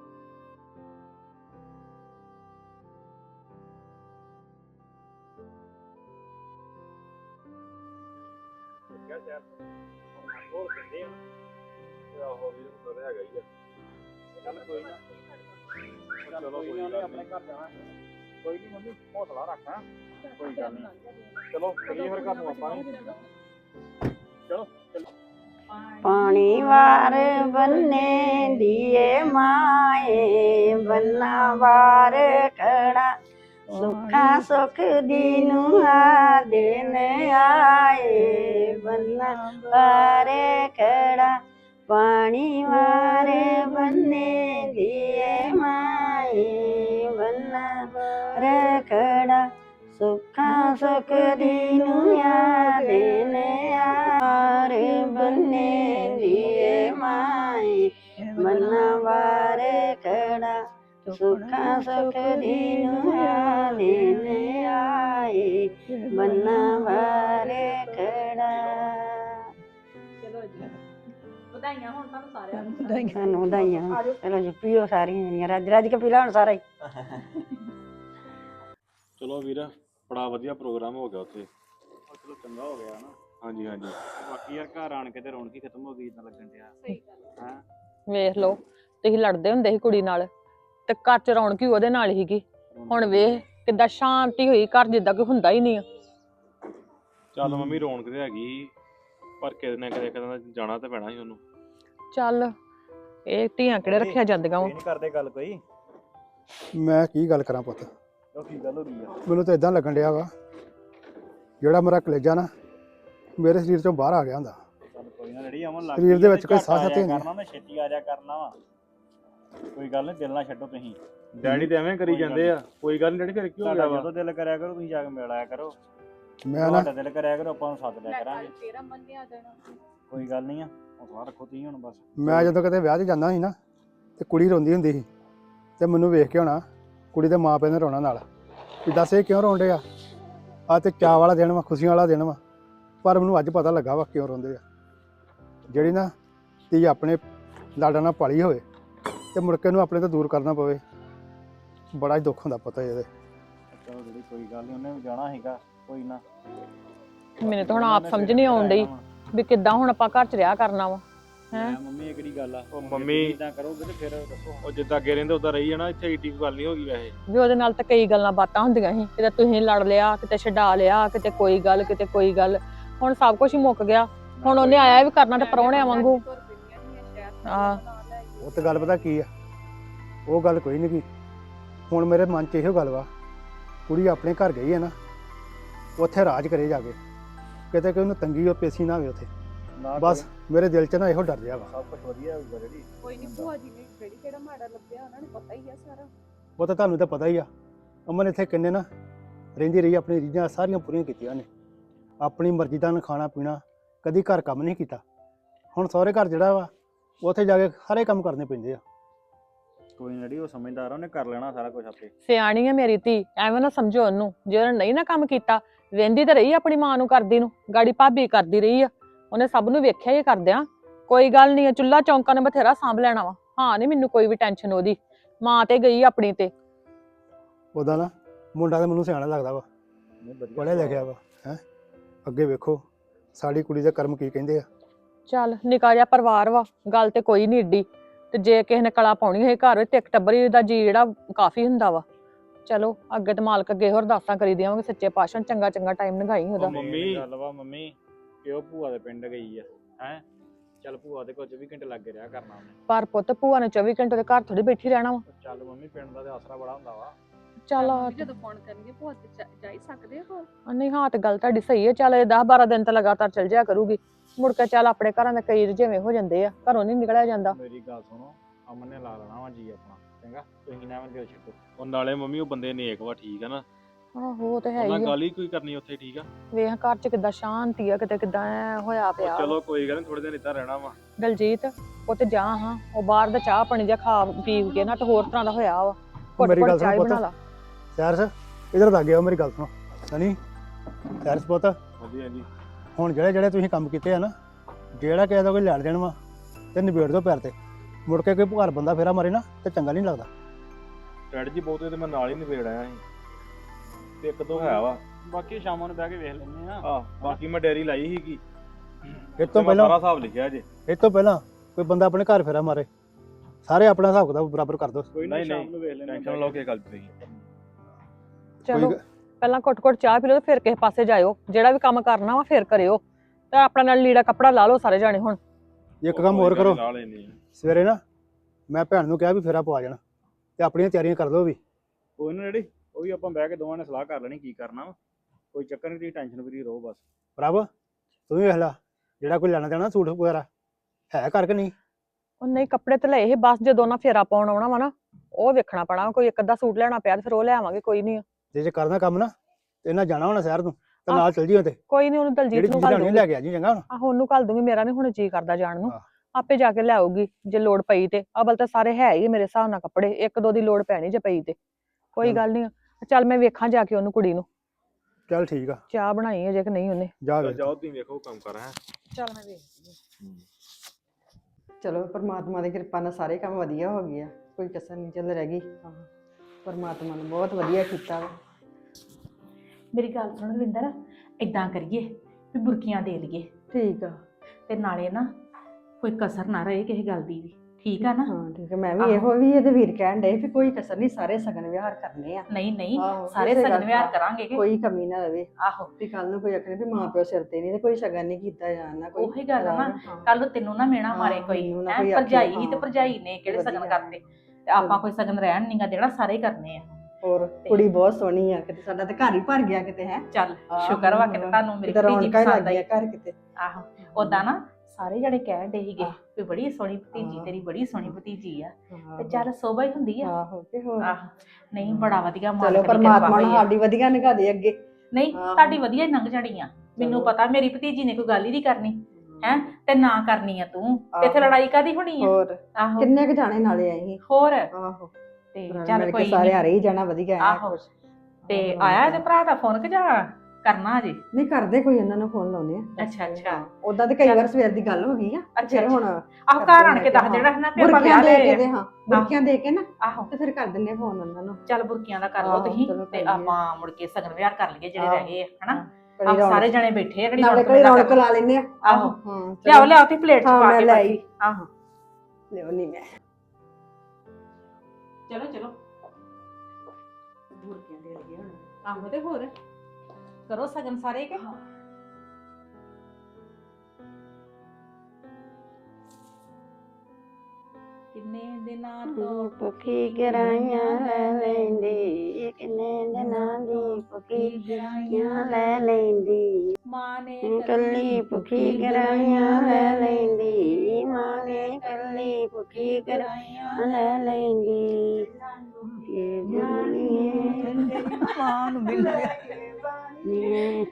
Speaker 3: ਹੋਰ ਕਹਿੰਦੇ ਆ ਆਹੋ ਵੀ ਉਹ ਹੈਗਾ ਹੀ ਆ। ਚੱਲ ਕੋਈ ਨਾ, ਚਲੋ ਕੋਈ ਨਾ,
Speaker 2: ਆਪਣੇ ਘਰ ਜਾਣਾ। ਕੋਈ ਨਹੀਂ ਮੰਮੀ, ਹੌਸਲਾ ਰੱਖਾਂ, ਕੋਈ ਗੱਲ ਨਹੀਂ। ਚਲੋ ਚਲੀਏ ਫਿਰ ਘਰ ਨੂੰ ਆਪਾਂ ਵੀ। ਚਲੋ
Speaker 8: ਪਾਣੀ ਵਾਰ ਬੰਨੇ ਦੀਏ ਮਾਏ, ਬੰਨਾ ਵਾਰ ਖੜਾ ਸੁੱਖਾ ਸੁਖ ਦੀ ਨੂੰਹਾਂ ਦਿਨ ਆਏ, ਬੰਨਾ ਵਾਰ ਖੜਾ ਪਾਣੀ ਵਾਰ ਬੰਨੇ ਦੀਏ ਮਾਏ, ਬੰਨਾ ਵਾਰ ਖੜਾ ਸੁੱਖਾ ਸੁਖ ਦੀ ਨੂੰਹਾਂ ਦਿਨ ਆਏ, ਬੰਨੇ ਦੀਏ ਮਾਏ, ਬੰਨਾ ਵਾਰ ਖੜਾ ਸੁੱਖਾ ਸੁਖ ਦੀ ਨੂੰਹਾਂ ਦਿਨ ਆਏ, ਬੰਨਾ ਵਾਰ ਖੜਾ।
Speaker 6: ਵਧਾਈਆਂ ਹੁਣ ਤੁਹਾਨੂੰ ਸਾਰਿਆਂ ਨੂੰ।
Speaker 8: ਸਾਨੂੰ ਵਧਾਈਆਂ। ਚਲੋ ਜੀ ਪੀਓ ਸਾਰੀਆਂ ਜਣੀਆਂ, ਰੱਜ ਰੱਜ ਕੇ ਪੀ ਲਾ ਹੁਣ ਸਾਰਾ ਹੀ।
Speaker 3: ਚਲੋ ਵੀਰ, ਬੜਾ ਵਧੀਆ ਪ੍ਰੋਗਰਾਮ ਹੋ ਗਿਆ ਉੱਥੇ।
Speaker 2: ਚਲੋ ਚੰਗਾ ਹੋ ਗਿਆ ਨਾ।
Speaker 3: ਹਾਂਜੀ ਹਾਂਜੀ।
Speaker 2: ਬਾਕੀ ਯਾਰ ਘਰ ਆਣ ਕੇ ਤੇ ਰੌਣਕ ਹੀ ਖਤਮ ਹੋ ਗਈ, ਇਦਾਂ ਲੱਗਣ ਡਿਆ।
Speaker 6: ਸਹੀ ਗੱਲ
Speaker 2: ਹਾਂ
Speaker 4: ਵੇਖ ਲਓ, ਤੁਸੀਂ ਲੜਦੇ ਹੁੰਦੇ ਸੀ ਕੁੜੀ ਨਾਲ ਤੇ ਘਰ ਚ ਰੌਣਕ ਹੀ ਉਹਦੇ ਨਾਲ ਹੀਗੀ। ਹੁਣ ਵੇਖ ਕਿੱਦਾਂ ਸ਼ਾਂਤੀ ਹੋਈ ਘਰ, ਜਿੱਦਾਂ ਕੋਈ ਹੁੰਦਾ ਹੀ ਨਹੀਂ ਆ।
Speaker 3: ਚੱਲ ਮੰਮੀ, ਰੌਣਕ ਤੇ ਹੈਗੀ, ਪਰ ਕਿਤੇ ਨਾ ਕਿਤੇ ਕਦੇ ਜਾਣਾ ਤਾਂ ਪੈਣਾ ਸੀ ਉਹਨੂੰ।
Speaker 4: ਚੱਲ ਇਹ ਧੀਆਂ ਕਿਹੜੇ ਰੱਖਿਆ ਜਾਂਦੀਆਂ ਵਾ।
Speaker 2: ਨਹੀਂ ਕਰਦੇ ਗੱਲ ਕੋਈ।
Speaker 1: ਮੈਂ ਕੀ ਗੱਲ ਕਰਾਂ ਪੁੱਤ,
Speaker 2: ਉਹ ਕੀ ਗੱਲ ਹੋ ਗਈ ਆ?
Speaker 1: ਮੈਨੂੰ ਤਾਂ ਇਦਾਂ ਲੱਗਣ ਡਿਆ ਵਾ ਜਿਹੜਾ ਮੇਰਾ ਕਲੇਜਾ ਨਾ ਮੇਰੇ ਸਰੀਰ ਚੋਂ ਬਾਹਰ ਆ ਗਿਆ ਹੁੰਦਾ।
Speaker 2: ਚੱਲ ਕੋਈ ਨਾ ਡੈਡੀ, ਅਮਨ ਲੱਗ
Speaker 1: ਸਰੀਰ ਦੇ ਵਿੱਚ ਕੋਈ ਸਾਹ ਸੱਤ ਹੀ ਨਹੀਂ।
Speaker 2: ਕਰਨਾ, ਮੈਂ ਛੇਤੀ ਆ ਜਾ ਕਰਨਾ ਵਾ। ਕੋਈ ਗੱਲ ਨਹੀਂ, ਦਿਲ ਨਾ ਛੱਡੋ ਤੁਸੀਂ।
Speaker 3: ਡੈਡੀ ਤੇ ਐਵੇਂ ਕਰੀ ਜਾਂਦੇ ਆ। ਕੋਈ ਗੱਲ ਨਹੀਂ ਡੈਡੀ, ਫਿਰ ਕੀ ਹੋ ਗਿਆ
Speaker 2: ਤੁਹਾਡਾ
Speaker 3: ਵਾ?
Speaker 2: ਜਦੋਂ ਦਿਲ ਕਰਿਆ ਕਰੋ ਤੁਸੀਂ ਜਾ ਕੇ ਮਿਲ ਆਇਆ ਕਰੋ।
Speaker 1: ਮੈਂ ਨਾ
Speaker 2: ਤੁਹਾਡਾ ਦਿਲ ਕਰਿਆ ਕਰੋ, ਆਪਾਂ ਨੂੰ ਸੱਦ ਲਿਆ ਕਰਾਂਗੇ।
Speaker 6: ਤੇਰਾ ਮੰਨਿਆ ਦੇਣਾ।
Speaker 2: ਕੋਈ ਗੱਲ ਨਹੀਂ ਆ, ਹੌਸਲਾ ਰੱਖੋ ਤੁਸੀਂ ਹੁਣ ਬਸ।
Speaker 1: ਮੈਂ ਜਦੋਂ ਕਿਤੇ ਵਿਆਹ 'ਚ ਜਾਂਦਾ ਸੀ ਨਾ ਤੇ ਕੁੜੀ ਰੋਂਦੀ ਹੁੰਦੀ ਸੀ ਤੇ ਮੈਨੂੰ ਵੇਖ ਕੇ ਹੋਣਾ ਕੁੜੀ ਦੇ ਮਾਂ ਪਿਓ ਨੇ ਰੋਣਾ ਨਾਲ ਵੀ ਦੱਸ ਇਹ ਕਿਉਂ ਰੋਂਦੇ ਆ। ਆ ਤੇ ਚਾਅ ਵਾਲਾ ਦਿਨ ਵਾ, ਖੁਸ਼ੀਆਂ ਵਾਲਾ ਦਿਨ ਵਾ, ਪਰ ਮੈਨੂੰ ਅੱਜ ਪਤਾ ਲੱਗਾ ਵਾ ਕਿਉਂ ਰੋਂਦੇ ਆ। ਜਿਹੜੀ ਨਾ ਧੀ ਆਪਣੇ ਲਾਡਾਂ ਨਾਲ ਪਾਲੀ ਹੋਵੇ ਤੇ ਮੁੜ ਕੇ ਨੂੰ ਆਪਣੇ ਤੋਂ ਦੂਰ ਕਰਨਾ ਪਵੇ, ਬੜਾ ਹੀ ਦੁੱਖ ਹੁੰਦਾ ਪਤਾ ਇਹਦੇ।
Speaker 2: ਚਲੋ ਜਿਹੜੀ ਕੋਈ ਗੱਲ ਨਹੀਂ, ਉਹਨੇ ਵੀ ਜਾਣਾ ਹੈਗਾ, ਕੋਈ ਨਾ।
Speaker 4: ਮੈਨੂੰ ਤਾਂ ਹੁਣ ਆਪ ਸਮਝ ਨਹੀਂ ਆਉਣ ਡਈ ਵੀ ਕਿੱਦਾਂ ਹੁਣ ਆਪਾਂ ਘਰ ਚ ਰਿਹਾ ਕਰਨਾ ਵਾ ਹੈ।
Speaker 3: ਮੰਮੀ ਇਹ ਕਿਹੜੀ ਗੱਲ ਆ
Speaker 2: ਉਹ ਮੰਮੀ
Speaker 3: ਇਦਾਂ ਕਰੋਗੇ ਤੇ ਫਿਰ ਦੱਸੋ।
Speaker 2: ਉਹ ਜਿੱਦਾਂ ਅੱਗੇ ਰਹਿੰਦੇ ਉਦਾਂ ਰਹੀ ਜਾਣਾ, ਇੱਥੇ ਏਡੀ ਕੋਈ ਗੱਲ ਨਹੀਂ ਹੋ ਗਈ ਵੈਸੇ।
Speaker 4: ਵੀ ਉਹਦੇ ਨਾਲ ਤਾਂ ਕਈ ਗੱਲਾਂ ਬਾਤਾਂ ਹੁੰਦੀਆਂ ਸੀ, ਕਿਤੇ ਤੁਸੀਂ ਲੜ ਲਿਆ, ਕਿਤੇ ਛਡਾ ਲਿਆ, ਕਿਤੇ ਕੋਈ ਗੱਲ ਕਿਤੇ ਕੋਈ ਗੱਲ। ਹੁਣ ਸਭ ਕੁਝ ਹੀ ਮੁੱਕ ਗਿਆ। ਹੁਣ ਉਹਨੇ ਆਇਆ ਵੀ ਕਰਨਾ ਤੇ ਪਰੌਣਿਆਂ ਵਾਂਗੂ। ਆ
Speaker 1: ਉਹ ਤੇ ਗੱਲ ਪਤਾ ਕੀ ਆ, ਉਹ ਗੱਲ ਕੋਈ ਨਹੀਂ ਕੀ। ਹੁਣ ਮੇਰੇ ਮਨ 'ਚ ਇਹੋ ਗੱਲ ਵਾ, ਕੁੜੀ ਆਪਣੇ ਘਰ ਗਈ ਹੈ ਨਾ, ਉੱਥੇ ਰਾਜ ਕਰੇ ਜਾ ਕੇ, ਕਿਤੇ ਕਿ ਉਹਨੂੰ ਤੰਗੀ ਉਹ ਪੇਸ਼ੀ ਨਾ ਹੋਵੇ ਉੱਥੇ।
Speaker 3: ਨਾ
Speaker 1: ਬਸ ਮੇਰੇ ਦਿਲ 'ਚ ਨਾ ਇਹੋ ਡਰ ਰਿਹਾ ਵਾ।
Speaker 3: ਸਭ ਕੁਝ ਵਧੀਆ ਹੋਊਗਾ ਜਿਹੜੀ।
Speaker 7: ਕੋਈ ਨਹੀਂ ਭੂਆ ਜੀ ਨੇ ਕਿਹੜੀ ਕਿਹੜਾ ਮਾੜਾ ਲੱਭਿਆ, ਉਹਨਾਂ ਨੂੰ ਪਤਾ ਹੀ ਆ ਸਾਰਾ।
Speaker 1: ਉਹ ਤਾਂ ਤੁਹਾਨੂੰ ਤਾਂ ਪਤਾ ਹੀ ਆ, ਅਮਨ ਇੱਥੇ ਕਿੰਨੇ ਨਾ ਰਹਿੰਦੀ ਰਹੀ, ਆਪਣੀ ਰੀਝਾਂ ਸਾਰੀਆਂ ਪੂਰੀਆਂ ਕੀਤੀਆਂ ਨੇ, ਆਪਣੀ ਮਰਜ਼ੀ ਦਾ ਖਾਣਾ ਪੀਣਾ, ਕਦੀ ਘਰ ਕੰਮ ਨਹੀਂ ਕੀਤਾ। ਹੁਣ ਸਹੁਰੇ ਘਰ ਜਿਹੜਾ ਵਾ ਉੱਥੇ ਜਾ ਕੇ ਸਾਰੇ ਕੰਮ ਕਰਨੇ ਪੈਂਦੇ ਆ।
Speaker 3: ਕੋਈ ਨਹੀਂ ਉਹ ਸਮਝਦਾਰ ਆ, ਉਹਨੇ ਕਰ ਲੈਣਾ ਸਾਰਾ ਕੁਝ ਆਪੇ।
Speaker 4: ਸਿਆਣੀ ਆ ਮੇਰੀ ਧੀ, ਐਵੇਂ ਨਾ ਸਮਝੋ ਉਹਨੂੰ। ਜੇ ਉਹਨੇ ਨਹੀਂ ਨਾ ਕੰਮ ਕੀਤਾ, ਵੇਂਦੀ ਤਾਂ ਰਹੀ ਆਪਣੀ ਮਾਂ ਨੂੰ ਕਰਦੀ ਨੂੰ, ਗਾੜੀ ਭਾਬੀ ਕਰਦੀ ਰਹੀ ਆ, ਉਹਨੇ ਸਭ ਨੂੰ ਵੇਖਿਆ ਹੀ ਕਰਦਿਆਂ। ਕੋਈ ਗੱਲ ਨਹੀਂ, ਚੁੱਲਾ ਚੌਂਕਾ ਨੇ ਬਥੇਰਾ ਸਾਂਭ ਲੈਣਾ ਵਾ। ਹਾਂ ਨਹੀਂ ਮੈਨੂੰ ਕੋਈ ਵੀ ਟੈਨਸ਼ਨ ਉਹਦੀ, ਮਾਂ ਤੇ ਗਈ ਆਪਣੀ ਤੇ।
Speaker 1: ਉਹਦਾ ਨਾ ਮੁੰਡਾ ਤਾਂ ਮੈਨੂੰ ਸਿਆਣਾ ਲੱਗਦਾ ਵਾ, ਪੜ੍ਹਿਆ ਲਿਖਿਆ ਵਾ ਹੈ। ਅੱਗੇ ਵੇਖੋ ਸਾਡੀ ਕੁੜੀ ਦੇ ਕਰਮ ਕੀ ਕਹਿੰਦੇ ਆ।
Speaker 4: ਚੱਲ ਨਿੱਕਾ ਜਿਹਾ ਪਰਿਵਾਰ ਵਾ, ਗੱਲ ਤੇ ਕੋਈ ਨਹੀਂ ਏਡੀ। ਤੇ ਜੇ ਕਿਸੇ ਨੇ ਕਲਾ ਪਾਉਣੀ ਹੋਏ ਘਰ ਵਿੱਚ ਤੇ ਇੱਕ ਟੱਬਰੀ ਦਾ ਜੀ ਜਿਹੜਾ ਕਾਫੀ ਹੁੰਦਾ ਵਾ। ਚਲੋ ਅੱਗੇ ਤੇ ਮਾਲਕ ਅੱਗੇ ਹੋਰ ਅਰਦਾਸਾਂ ਕਰੀ ਦੇਵਾਂਗੇ, ਸੱਚੇ ਪਾਤਸ਼ਾਹ ਚੰਗਾ ਚੰਗਾ ਟਾਈਮ ਲੰਘਾਈ ਉਹਦਾ।
Speaker 2: ਮੰਮੀ
Speaker 3: ਗੱਲ ਵਾ ਮੰਮੀ ਕਿ ਉਹ ਭੂਆ ਦੇ ਪਿੰਡ ਗਈ ਆ ਹੈ। ਚੱਲ ਭੂਆ ਦੇ ਕੋਲ ਚੌਵੀ ਘੰਟੇ ਲੱਗੇ ਰਿਹਾ ਕਰਨਾ ਉਹਨੇ।
Speaker 4: ਪਰ ਪੁੱਤ ਭੂਆ ਨੇ ਚੌਵੀ ਘੰਟੇ ਦੇ ਘਰ ਥੋੜੀ ਬੈਠੀ ਰਹਿਣਾ ਵਾ।
Speaker 3: ਚੱਲ ਮੰਮੀ ਪਿੰਡ ਦਾ ਤੇ ਆਸਰਾ ਬੜਾ ਹੁੰਦਾ ਵਾ।
Speaker 4: ਚੱਲ ਆ ਤੇ-
Speaker 7: ਜਦੋਂ ਫੋਨ ਕਰਨਗੇ ਭੂਆ ਤੇ ਜਾ- ਜਾ ਹੀ ਸਕਦੇ ਆ ਕੋਲ।
Speaker 4: ਆ ਨਹੀਂ ਹਾਂ ਤੇ ਗੱਲ ਤੁਹਾਡੀ ਸਹੀ ਹੈ। ਚੱਲ ਇਹ ਦਸ ਬਾਰਾਂ ਦਿਨ ਤਾਂ ਲਗਾਤਾਰ ਚੱਲ ਜਾਇਆ ਕਰੂਗੀ, ਮੁੜ ਕੇ ਚੱਲ ਆਪਣੇ ਘਰਾਂ ਦੇ ਕਈ ਰੁਝੇਵੇਂ ਹੋ ਜਾਂਦੇ ਆ, ਘਰੋਂ ਨਹੀਂ ਨਿਕਲਿਆ ਜਾਂਦਾ।
Speaker 3: ਮੇਰੀ ਗੱਲ ਸੁਣੋ, ਅਮਨ ਨੇ ਲਾ ਲੈਣਾ ਵਾ ਜੀ ਆਪਣਾ, ਚੰਗਾ ਤੁਸੀਂ ਨਾ ਮੈਨੂੰ ਦਿਲ ਛੱਡੋ।
Speaker 2: ਉਹ ਨਾਲੇ ਮੰਮੀ ਉਹ ਬੰਦੇ ਨੇਕ ਵਾ, ਠੀਕ ਆ ਨਾ,
Speaker 4: ਆਹੋ ਉਹ ਤੇ ਹੈ
Speaker 2: ਉਹਨਾਂ
Speaker 4: ਹੀ ਆ।
Speaker 2: ਗੱਲ ਹੀ ਕੋਈ ਕਰਨੀ ਉੱਥੇ, ਠੀਕ ਆ।
Speaker 4: ਵੇਖ ਘਰ ਚ ਕਿੱਦਾਂ ਸ਼ਾਂਤੀ ਆ, ਕਿਤੇ ਕਿੱਦਾਂ ਐਂ ਹੋਇਆ
Speaker 2: ਉਹ
Speaker 4: ਪਿਆ।
Speaker 2: ਚਲੋ ਕੋਈ ਗੱਲ ਨਹੀਂ, ਥੋੜੇ ਦਿਨ ਇੱਦਾਂ ਰਹਿਣਾ ਵਾ।
Speaker 4: ਦਲਜੀਤ ਉਹ ਤੇ ਜਾ ਹਾਂ, ਉਹ ਬਾਹਰ ਦਾ ਚਾਹ ਪਾਣੀ ਜਿਹਾ ਖਾ ਪੀ ਕੇ ਨਾ ਤੇ ਹੋਰ ਤਰ੍ਹਾਂ ਦਾ ਹੋਇਆ ਵਾ। ਘੁੱਟ
Speaker 1: ਮੇਰੀ ਗੱਲ
Speaker 4: ਘੁੱਟ ਚਾਹ ਹੀ
Speaker 1: ਸੁਣ
Speaker 4: ਬਣਾ ਲਾ।
Speaker 1: ਸੈਰਸ ਇਧਰ ਲੱਗ ਗਿਆ, ਮੇਰੀ ਗੱਲ ਸੁਣੋ ਸਨੀ। ਸੈਰਸ ਪੁੱਤ,
Speaker 2: ਵਧੀਆ ਜੀ।
Speaker 1: ਹੁਣ ਜਿਹੜੇ ਜਿਹੜੇ ਤੁਸੀਂ ਕੰਮ ਕੀਤੇ ਆ ਨਾ, ਜਿਹੜਾ ਕਿਸੇ ਦਾ ਕੋਈ ਲੈਣ ਦੇਣ ਵਾ ਤੇ ਨਿਬੇੜ ਦਿਓ ਪੈਰ ਤੇ। ਮੁੜ ਕੇ ਕੋਈ ਘਰ ਬੰਦਾ ਫੇਰਾ ਮਾਰੇ ਨਾ ਤੇ ਚੰਗਾ ਨਹੀਂ ਲੱਗਦਾ।
Speaker 2: ਡੈਡ ਜੀ ਬਹੁਤੇ ਤੇ ਮੈਂ ਨਾਲ ਹੀ ਨਿਬੇੜ ਆਇਆ ਸੀ, ਤੇ ਇੱਕ ਦੋ ਹੈ ਵਾ।
Speaker 3: ਬਾਕੀ ਸ਼ਾਮਾਂ ਨੂੰ ਬਹਿ ਕੇ ਵੇਖ ਲੈਂਦੇ ਆ।
Speaker 2: ਆਹ ਬਾਕੀ ਮੈਂ ਡੈਰੀ ਲਾਈ ਸੀਗੀ,
Speaker 1: ਇਹ ਤੋਂ
Speaker 2: ਮੈਂ
Speaker 1: ਪਹਿਲਾਂ
Speaker 2: ਸਾਰਾ ਹਿਸਾਬ ਲਿਖਿਆ ਜੇ।
Speaker 1: ਇਹ ਤੋਂ ਪਹਿਲਾਂ ਕੋਈ ਬੰਦਾ ਆਪਣੇ ਘਰ ਫੇਰਾ ਮਾਰੇ, ਸਾਰੇ ਆਪਣਾ ਹਿਸਾਬ ਕਿਤਾਬ ਬਰਾਬਰ ਕਰ ਦਿਓ।
Speaker 3: ਕੋਈ
Speaker 2: ਨਹੀਂ,
Speaker 3: ਨਹੀਂ ਸ਼ਾਮ
Speaker 2: ਨਹੀਂ,
Speaker 3: ਨੂੰ ਵੇਖ ਲੈਂਦੇ ਆ।
Speaker 2: ਟੈਨਸ਼ਨ ਲਓ ਕੇ ਗੱਲ ਤੁਸੀਂ।
Speaker 4: ਚਲੋ
Speaker 1: ਕੋਈ-
Speaker 4: ਪਹਿਲਾਂ ਘੁੱਟ ਘੁੱਟ ਚਾਹ ਪੀ ਲਓ ਤੇ ਫਿਰ ਕਿਸੇ ਪਾਸੇ ਜਾਇਓ। ਜਿਹੜਾ ਵੀ ਕੰਮ ਕਰਨਾ ਵਾ ਫਿਰ ਕਰਿਓ, ਤੇ ਆਪਣਾ ਨਾਲ ਲੀੜਾ ਕੱਪੜਾ ਲਾ ਲਓ ਸਾਰੇ ਜਾਣੇ। ਹੁਣ
Speaker 1: ਇੱਕ ਕੰਮ ਹੋਰ ਕਰੋ,
Speaker 2: ਲਾ ਲੈਣੀ।
Speaker 1: ਸਵੇਰੇ ਨਾ ਮੈਂ ਭੈਣ ਨੂੰ ਕਿਹਾ ਵੀ ਫੇਰਾ ਪਵਾ ਜਾਣਾ ਤੇ ਆਪਣੀਆਂ ਤਿਆਰੀਆਂ ਕਰ ਲਓ ਵੀ।
Speaker 3: ਕੋਈ ਨਾ ਜਿਹੜੀ ਉਹ ਵੀ ਆਪਾਂ ਬਹਿ ਕੇ ਦੋਵਾਂ ਨੇ ਸਲਾਹ ਕਰ ਲੈਣੀ ਕੀ ਕਰਨਾ ਵਾ। ਕੋਈ ਚੱਕਰ ਨਹੀਂ, ਤੁਸੀਂ ਟੈਨਸ਼ਨ ਫਰੀ ਰਹੋ ਬਸ।
Speaker 1: ਪ੍ਰਭ ਤੂੰ ਵੀ ਵੇਖ ਲਾ, ਜਿਹੜਾ ਕੋਈ ਲੈਣਾ ਦੇਣਾ ਸੂਟ ਵਗੈਰਾ ਹੈ ਘਰ ਕਿ ਨਹੀਂ।
Speaker 4: ਉਹ ਨਹੀਂ ਕੱਪੜੇ ਤੇ ਲਏ ਇਹ, ਬਸ ਜਦੋਂ ਨਾ ਫੇਰਾ ਪਾਉਣ ਆਉਣਾ ਵਾ ਨਾ ਉਹ ਵੇਖਣਾ ਪੈਣਾ। ਕੋਈ ਇੱਕ ਅੱਧਾ ਸੂਟ ਲੈਣਾ ਪਿਆ ਤੇ ਫਿਰ ਉਹ ਲੈ ਆਵਾਂਗੇ। ਕੋਈ ਨਹੀਂ
Speaker 1: ਜੇ ਜੇ ਕਰਨਾ ਕੰਮ ਨਾ ਤੇ ਇਹਨਾਂ ਜਾਣਾ ਹੋਣਾ ਸ਼ਹਿਰ ਨੂੰ ਤੇ
Speaker 4: ਆਹ।
Speaker 1: ਨਾਲ ਚਲ ਜਿਓ ਤੇ
Speaker 4: ਕੋਈ ਨਹੀਂ ਉਹਨੂੰ
Speaker 1: ਜਿਹੜੀ
Speaker 4: ਦਲਜੀਤ ਨੂੰ
Speaker 1: ਚੀਜ਼
Speaker 4: ਘੱਲ
Speaker 1: ਲੈਣੀ
Speaker 4: ਦੂੰਗੀ।
Speaker 1: ਲੈ ਕੇ ਆ ਜੀ ਚੰਗਾ। ਹੁਣ
Speaker 4: ਆਹੋ ਉਹਨੂੰ ਘੱਲ ਦੂੰਗੀ, ਮੇਰਾ ਨਹੀਂ ਹੁਣ ਜੀ ਕਰਦਾ ਜਾਣ ਨੂੰ।
Speaker 1: ਆਹ।
Speaker 4: ਆਪੇ ਜਾ ਕੇ ਲੈ ਆਊਗੀ ਜੇ ਲੋੜ ਪਈ ਤੇ। ਅਬਲ ਤਾਂ ਸਾਰੇ ਹੈ ਹੀ ਮੇਰੇ ਹਿਸਾਬ ਨਾਲ ਕੱਪੜੇ, ਇੱਕ ਦੋ ਦੀ ਲੋੜ ਪੈਣੀ ਜੇ ਪਈ ਤੇ। ਕੋਈ
Speaker 1: ਚੱਲ।
Speaker 4: ਗੱਲ ਨਹੀਂ, ਚੱਲ ਮੈਂ ਵੇਖਾਂ ਜਾ ਕੇ ਉਹਨੂੰ ਕੁੜੀ ਨੂੰ
Speaker 1: ਚੱਲ ਠੀਕ ਆ,
Speaker 4: ਚਾਹ ਬਣਾਈ ਅਜੇ ਕਿ ਨਹੀਂ ਉਹਨੇ।
Speaker 1: ਜਾ
Speaker 2: ਚੱਲ
Speaker 1: ਵੇਖ।
Speaker 2: ਜਾਓ ਤੁਸੀਂ ਵੇਖੋ ਕੰਮ ਕਰ ਹੈ।
Speaker 4: ਚੱਲ ਮੈਂ ਵੇਖਦੀ।
Speaker 7: ਚਲੋ ਪਰਮਾਤਮਾ ਦੀ ਕਿਰਪਾ ਨਾਲ ਸਾਰੇ ਕੰਮ ਵਧੀਆ ਹੋ ਗਏ ਆ, ਕੋਈ ਕਸਰ ਨਹੀਂ ਚੱਲ ਰਹਿ ਗਈ। ਹਾਂ ਪਰਮਾਤਮਾ ਨੇ ਬਹੁਤ ਵਧੀਆ ਕੀਤਾ ਵਾ।
Speaker 6: ਮੇਰੀ ਗੱਲ ਸੁਣ ਰਵਿੰਦਰ, ਇਦਾਂ ਕਰੀਏ ਵੀ ਬੁਰਕੀਆਂ ਦੇ ਲਈਏ
Speaker 7: ਠੀਕ ਆ।
Speaker 6: ਤੇ ਨਾਲੇ ਨਾ ਕੋਈ ਕਸਰ ਨਾ ਰਹੇ ਕਿਸੇ ਗੱਲ ਦੀ ਵੀ, ਠੀਕ ਆ ਨਾ।
Speaker 7: ਹਾਂ ਠੀਕ ਆ, ਮੈਂ ਵੀ
Speaker 6: ਆਹੋ।
Speaker 7: ਇਹੋ ਵੀ ਇਹਦੇ ਵੀਰ ਕਹਿਣ ਡੇ ਵੀ ਕੋਈ ਕਸਰ ਨਹੀਂ, ਸਾਰੇ ਸਗਨ ਵਿਹਾਰ ਕਰਨੇ ਆ।
Speaker 6: ਨਹੀਂ ਨਹੀਂ
Speaker 7: ਆਹੋ,
Speaker 6: ਸਾਰੇ
Speaker 7: ਇਸੇ
Speaker 6: ਸਗਨ
Speaker 7: ਗੱਲ
Speaker 6: ਵਿਹਾਰ
Speaker 7: ਦਾ
Speaker 6: ਕਰਾਂਗੇ ਕਿ
Speaker 7: ਕੋਈ ਕਮੀ ਨਾ ਰਵੇ।
Speaker 6: ਆਹੋ
Speaker 7: ਵੀ ਕੱਲ ਨੂੰ ਕੋਈ ਆਖਣੇ ਵੀ ਮਾਂ ਪਿਓ ਸਿਰ ਤੇ ਨਹੀਂ ਤੇ ਕੋਈ ਸ਼ਗਨ ਨਹੀਂ ਕੀਤਾ ਜਾਣਾ। ਕੋਈ
Speaker 6: ਉਹੀ ਗੱਲ ਆ ਨਾ,
Speaker 7: ਹਾਂ।
Speaker 6: ਕੱਲ ਨੂੰ ਤੈਨੂੰ ਨਾ ਮੇਣਾ
Speaker 7: ਹਾਂ,
Speaker 6: ਮਾਰੇ ਕੋਈ
Speaker 7: ਮੈਨੂੰ ਨਾ
Speaker 6: ਹੈਂ,
Speaker 7: ਕੋਈ ਆਖੇ,
Speaker 6: ਭਰਜਾਈ ਹੀ ਤੇ
Speaker 7: ਹਾਂ।
Speaker 6: ਭਰਜਾਈ ਨੇ ਕਿਹੜੇ ਸਗਨ
Speaker 7: ਵਧੀਆ।
Speaker 6: ਕਰਤੇ ਤੇ ਆਪਾਂ ਕੋਈ ਸਗਨ ਰਹਿਣ ਨਹੀਂਗਾ ਦੇਣਾ, ਸਾਰੇ ਹੀ ਕਰਨੇ ਆ।
Speaker 7: ਹੋਰ ਕੁੜੀ ਬਹੁਤ ਸੋਹਣੀ ਆ, ਕਿਤੇ ਸਾਡਾ ਤੇ ਘਰ ਹੀ ਭਰ ਗਿਆ ਕਿਤੇ ਹੈ।
Speaker 6: ਚੱਲ ਸ਼ੁਕਰ ਵਾ ਕਿ ਤੁਹਾਨੂੰ ਮੇਰੀ
Speaker 7: ਕਿਤੇ
Speaker 6: ਭਤੀਜੀ
Speaker 7: ਰੌਣਕਾਂ ਹੀ ਲੱਗ
Speaker 6: ਪਸੰਦ ਆਈ।
Speaker 7: ਗਈਆਂ ਘਰ ਕਿਤੇ।
Speaker 6: ਆਹੋ ਉਦਾਂ ਨਾ ਸਾਰੇ ਜਣੇ ਕਹਿਣ ਡੇ ਸੀਗੇ
Speaker 7: ਆਹ।
Speaker 6: ਵੀ ਬੜੀ ਸੋਹਣੀ ਭਤੀਜੀ
Speaker 7: ਹਾਂ।
Speaker 6: ਤੇਰੀ, ਬੜੀ ਸੋਹਣੀ ਭਤੀਜੀ ਆ।
Speaker 7: ਹਾਂ,
Speaker 6: ਤੇ ਚੱਲ ਸੋਭਾ ਹੀ ਹੁੰਦੀ ਆ।
Speaker 7: ਆਹੋ ਤੇ ਹੋਰ
Speaker 6: ਆਹ ਨਹੀਂ ਬੜਾ ਵਧੀਆ ਮਾਲਕ
Speaker 7: ਚਲੋ
Speaker 6: ਦੀ
Speaker 7: ਪਰਮਾਤਮਾ
Speaker 6: ਕਿਰਪਾ
Speaker 7: ਨੂੰ
Speaker 6: ਹੋਈ ਆ।
Speaker 7: ਸਾਡੀ ਵਧੀਆ ਨਿਗਾਹ ਦੇ ਅੱਗੇ।
Speaker 6: ਨਹੀਂ
Speaker 7: ਆਹੋ।
Speaker 6: ਤੁਹਾਡੀ ਵਧੀਆ ਹੀ ਲੰਘ ਜਾਣੀ ਆ, ਮੈਨੂੰ
Speaker 7: ਚਲੋ।
Speaker 6: ਪਤਾ ਮੇਰੀ ਭਤੀਜੀ ਨੇ ਕੋਈ ਗੱਲ ਹੀ ਨਹੀਂ ਕਰਨੀ ਹੈ ਤੇ ਨਾ ਕਰਨੀ ਆ ਤੂੰ ਤੇ ਇੱਥੇ
Speaker 7: ਆਹੋ।
Speaker 6: ਲੜਾਈ ਕਾਦੀ ਹੋਣੀ ਆ।
Speaker 7: ਹੋਰ
Speaker 6: ਆਹੋ
Speaker 7: ਕਿੰਨੇ ਕੁ ਜਾਣੇ ਨਾਲੇ ਆਏ
Speaker 6: ਹੋਰ
Speaker 7: ਆਹੋ
Speaker 6: ਤੇ
Speaker 7: ਰਲ
Speaker 6: ਚੱਲ
Speaker 7: ਮਿਲ ਕੇ
Speaker 6: ਕੋਈ
Speaker 7: ਸਾਰੇ
Speaker 6: ਨੀ।
Speaker 7: ਆ ਰਹੀ ਜਾਣਾ ਵਧੀਆ ਹੈ
Speaker 6: ਆਹੋ।
Speaker 7: ਕੁਛ।
Speaker 6: ਤੇ
Speaker 7: ਆਹੋ,
Speaker 6: ਆਇਆ ਤੇ ਭਰਾ ਦਾ ਫੋਨ ਕਿ ਜਾਂ ਕਰਨਾ ਅਜੇ?
Speaker 7: ਨਹੀਂ ਕਰਦੇ ਕੋਈ ਉਹਨਾਂ ਨੂੰ ਫੋਨ ਲਾਉਨੇ ਆ।
Speaker 6: ਅੱਛਾ, ਅੱਛਾ।
Speaker 7: ਉਦਾਂ ਤੇ ਕਈ
Speaker 6: ਚੱਲ।
Speaker 7: ਵਾਰ ਸਵੇਰ ਦੀ ਗੱਲ ਹੋ ਗਈ ਆ।
Speaker 6: ਅੱਛਾ,
Speaker 7: ਫਿਰ ਹੁਣ
Speaker 6: ਆਹੋ ਘਰ ਆਣ ਕੇ ਦੱਸ ਦੇਣਾ ਹੈ ਨਾ ਵੀ ਆਪਾਂ
Speaker 7: ਬੁਰਕੀਆਂ
Speaker 6: ਵਿਆਹ
Speaker 7: ਦੇ ਕੇ
Speaker 6: ਲੈ
Speaker 7: ਤੇ ਹਾਂ ਬੁਰਕੀਆਂ ਦੇ ਕੇ ਨਾ
Speaker 6: ਆਹੋ
Speaker 7: ਤੇ ਫਿਰ ਕਰ ਦਿੰਨੇ ਆ ਫੋਨ ਉਹਨਾਂ ਨੂੰ।
Speaker 6: ਚੱਲ ਬੁਰਕੀਆਂ ਦਾ ਕਰ ਲਓ
Speaker 7: ਆਹੋ,
Speaker 6: ਤੁਸੀਂ
Speaker 7: ਚਲੋ
Speaker 6: ਤੇ
Speaker 7: ਕਰੀਏ।
Speaker 6: ਆਪਾਂ ਮੁੜ ਕੇ ਸਗਨ ਵਿਆਹ ਕਰ ਲਈਏ ਜਿਹੜੇ
Speaker 7: ਆਹੋ।
Speaker 6: ਰਹਿ ਗਏ ਆ, ਹਨਾ।
Speaker 7: ਕੜੀ
Speaker 6: ਆਹ ਸਾਰੇ
Speaker 7: ਰੌਣਕ
Speaker 6: ਜਣੇ ਬੈਠੇ ਆ ਕਿਹੜੀ
Speaker 7: ਨਾਲੇ
Speaker 6: ਰੌਣਕ
Speaker 7: ਕੜੀ
Speaker 6: ਮੇਲਾ
Speaker 7: ਰੌਣਕ
Speaker 6: ਕਰ-
Speaker 7: ਲਾ ਲੈਨੇ ਆ
Speaker 6: ਆਹੋ
Speaker 7: ਹਾਂ
Speaker 6: ਲਿਆਓ ਲਿਆਓ ਤੁਸੀਂ ਪਲੇਟ ਚ
Speaker 7: ਹਾਂ,
Speaker 6: ਪਾ
Speaker 7: ਮੈਂ
Speaker 6: ਕੇ
Speaker 7: ਲੈ
Speaker 6: ਭਾਜੀ।
Speaker 7: ਆਈ।
Speaker 6: ਆਹੋ
Speaker 7: ਲਿਓ ਨਹੀਂ ਮੈਂ
Speaker 6: ਚਲੋ ਚਲੋ
Speaker 7: ਦੂਰ ਕਿਆਂ ਦੇ ਲਗੇ ਹੁਣ
Speaker 6: ਆਹੋ ਤੇ ਹੋਰ ਕਰੋ ਸਗਨ ਸਾਰੇ ਕੇ ਕਿੰਨੇ ਦਿਨਾਂ ਤੋਂ
Speaker 8: ਭੁੱਖੀ ਗਰਾਈਆਂ ਲੈ ਲੈਂਦੀ ਕਿੰਨੇ ਦਿਨਾਂ ਦੀ ਭੁੱਖੀ ਗਰਾਈਆਂ ਲੈ ਲੈਂਦੀ
Speaker 6: ਮਾਂ ਨੇ
Speaker 8: ਕੱਲੀ ਭੁੱਖੀ ਗਰਾਈਆਂ ਲੈ ਲੈਂਦੀ ਮਾਂ ਨੇ ਕੱਲੀ ਭੁੱਖੀ ਗਰਾਈਆਂ ਲੈ ਲੈਂਦੀ ਇਹ ਦੁਨੀਏ
Speaker 6: ਮਾਂ ਨੂੰ ਮਿਲ
Speaker 8: ਨੀ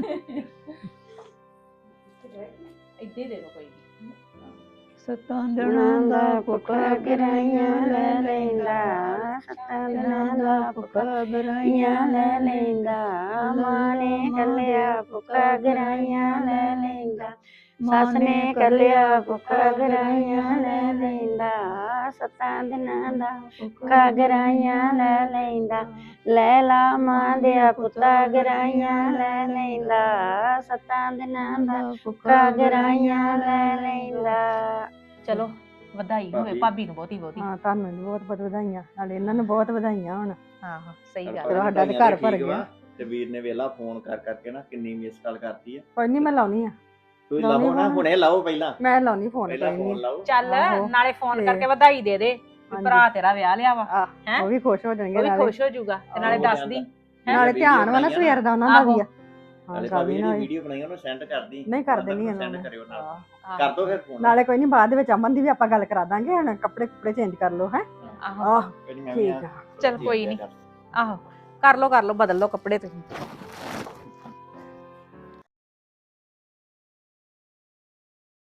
Speaker 6: ਇੱਥੇ ਦੇ ਦੋ ਕੋਈ
Speaker 8: ਸੱਤਾਂ ਦਿਨਾਂ ਦਾ ਭੁੱਖਾ ਗਰਾਈਆਂ ਲੈ ਲੈਂਦਾ ਸੱਤਾਂ ਦਿਨਾਂ ਦਾ ਭੁੱਖਾ ਗਰਾਈਆਂ ਲੈ ਲੈਂਦਾ ਮਾਂ ਨੇ ਕੱਲਿਆ ਭੁੱਖਾ ਗਰਾਈਆਂ ਲੈ ਲੈਂਦਾ ਸੱਸ ਨੇ ਕੱਲਿਆ ਭੁੱਖਾ ਗਰਾਈਆਂ ਲੈ ਲੈਂਦਾ ਸੱਤਾਂ ਦਿਨਾਂ ਦਾ ਭੁੱਖਾ ਗਰਾਈਆਂ ਲੈ ਲੈਂਦਾ ਲੈ ਲਾ ਮਾਂ ਦੇ ਪੁੱਤਾ ਗਰਾਈਆਂ ਲੈ ਲੈਂਦਾ ਸੱਤਾਂ ਦਿਨਾਂ ਦਾ ਭੁੱਖਾ ਗਰਾਈਆਂ ਲੈ ਲੈਂਦਾ
Speaker 6: ਚਲੋ ਵਧਾਈ ਹੋਵੇ
Speaker 3: ਭਾਬੀ।
Speaker 6: ਭਾਬੀ ਨੂੰ ਬਹੁਤੀ ਬਹੁਤੀ
Speaker 7: ਹਾਂ ਤੁਹਾਨੂੰ ਵੀ ਬਹੁਤ ਬਹੁਤ ਵਧਾਈਆਂ ਨਾਲੇ ਇਹਨਾਂ ਨੂੰ ਬਹੁਤ ਵਧਾਈਆਂ ਹੁਣ
Speaker 6: ਆਹੋ ਸਹੀ ਗੱਲ
Speaker 7: ਚਲੋ ਸਾਡਾ ਤੇ ਘਰ ਭਰ ਗਿਆ।
Speaker 3: ਤੇ ਵੀਰ ਨੇ ਵੇਲਾ ਫੋਨ ਕਰ ਕਰਕੇ ਨਾ ਕਿੰਨੀ ਮਿਸ ਕਾਲ ਕਰਤੀ ਆ
Speaker 7: ਕੋਈ ਨਹੀਂ ਮੈਂ ਲਾਉਣੀ ਆ
Speaker 3: ਤੁਸੀਂ
Speaker 7: ਲਾਉਣੀ
Speaker 3: ਲਾਓ ਨਾ
Speaker 7: ਫੋਨ।
Speaker 3: ਹੁਣੇ ਲਾਓ ਪਹਿਲਾਂ
Speaker 7: ਮੈਂ ਲਾਉਣੀ ਫੋਨ
Speaker 3: ਪਹਿਲਾਂ
Speaker 7: ਕੋਈ
Speaker 3: ਫੋਨ
Speaker 7: ਨਹੀਂ
Speaker 3: ਲਾਓ
Speaker 6: ਚੱਲ
Speaker 7: ਆਹੋ।
Speaker 6: ਨਾਲੇ ਫੋਨ
Speaker 7: ਤੇ-
Speaker 6: ਕਰਕੇ ਵਧਾਈ ਦੇ ਦੇ ਵੀ
Speaker 7: ਹਾਂਜੀ।
Speaker 6: ਭਰਾ ਤੇਰਾ ਵਿਆਹ ਲਿਆ ਵਾ
Speaker 7: ਆਹ,
Speaker 6: ਹੈਂ?
Speaker 7: ਉਹ ਵੀ ਖੁਸ਼ ਹੋ ਜਾਣਗੇ
Speaker 6: ਉਹ ਵੀ
Speaker 7: ਨਾਲੇ
Speaker 6: ਖੁਸ਼ ਹੋ ਜਾਊਗਾ ਤੇ ਨਾਲੇ
Speaker 3: ਆਹੋ,
Speaker 6: ਦੱਸ ਦੀ ਹੈਂ?
Speaker 7: ਨਾਲੇ
Speaker 3: ਵੀਡੀਓ
Speaker 7: ਧਿਆਨ ਵਾ ਨਾ
Speaker 3: ਬਣਾਈਆਂ
Speaker 7: ਸਵੇਰ ਦਾ ਉਹਨਾਂ ਦਾ ਵੀ ਆ ਹਾਂ
Speaker 3: ਨਾਲੇ
Speaker 7: ਗੱਲ
Speaker 3: ਭਾਬੀ
Speaker 7: ਹੀ
Speaker 3: ਦੀ
Speaker 7: ਨਾ ਹੋਈ।
Speaker 3: ਵੀਡੀਓ ਬਣਾਈ ਉਹਨੂੰ ਸੈਂਡ ਕਰਦੀ
Speaker 7: ਨਹੀਂ ਕਰ ਦੇਣੀ ਇਹਨਾਂ
Speaker 3: ਸੈਂਡ
Speaker 7: ਨੇ
Speaker 3: ਕਰਿਓ ਨਾਲ
Speaker 7: ਹਾਂ।
Speaker 6: ਆਹੋ,
Speaker 3: ਕਰ ਦੋ ਫਿਰ ਫੋਨ
Speaker 7: ਨਾਲੇ ਕੋਈ ਨਹੀਂ ਬਾਅਦ ਦੇ ਵਿੱਚ ਅਮਨ ਦੀ ਵੀ ਆਪਾਂ ਗੱਲ ਕਰਾ ਦਾਂਗੇ ਹੁਣ ਕੱਪੜੇ ਕੁਪੜੇ ਚੇਂਜ ਕਰ ਲਓ ਹੈ
Speaker 6: ਆਹੋ
Speaker 7: ਆਹ
Speaker 3: ਕੋਈ ਨੀ, ਮੈਂ ਵੀ
Speaker 7: ਠੀਕ
Speaker 3: ਆ
Speaker 7: ਆ
Speaker 6: ਚੱਲ ਕੋਈ ਨੀ। ਆਹੋ ਕਰ ਲੋ ਕਰ ਲੋ ਬਦਲ ਲੋ ਕੱਪੜੇ ਤੁਸੀਂ